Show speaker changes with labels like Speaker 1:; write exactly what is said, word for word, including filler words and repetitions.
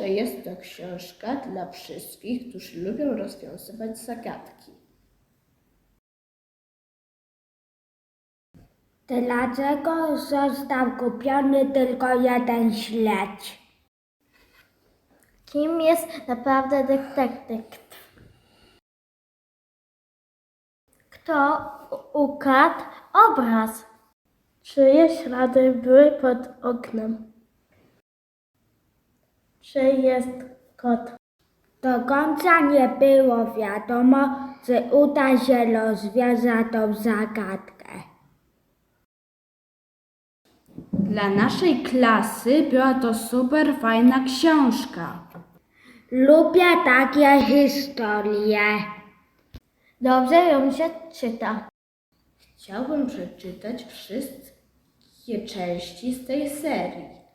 Speaker 1: że jest to książka dla wszystkich, którzy lubią rozwiązywać zagadki.
Speaker 2: Dlaczego został kupiony tylko jeden śledź?
Speaker 3: Kim jest naprawdę detektyw? Kto ukradł obraz? Czyje ślady były pod oknem? Czy jest kot?
Speaker 2: Do końca nie było wiadomo, czy uda się rozwiązać tą zagadkę.
Speaker 4: Dla naszej klasy była to super fajna książka.
Speaker 2: Lubię takie historie.
Speaker 3: Dobrze ją się czyta.
Speaker 1: Chciałbym przeczytać wszystkie części z tej serii.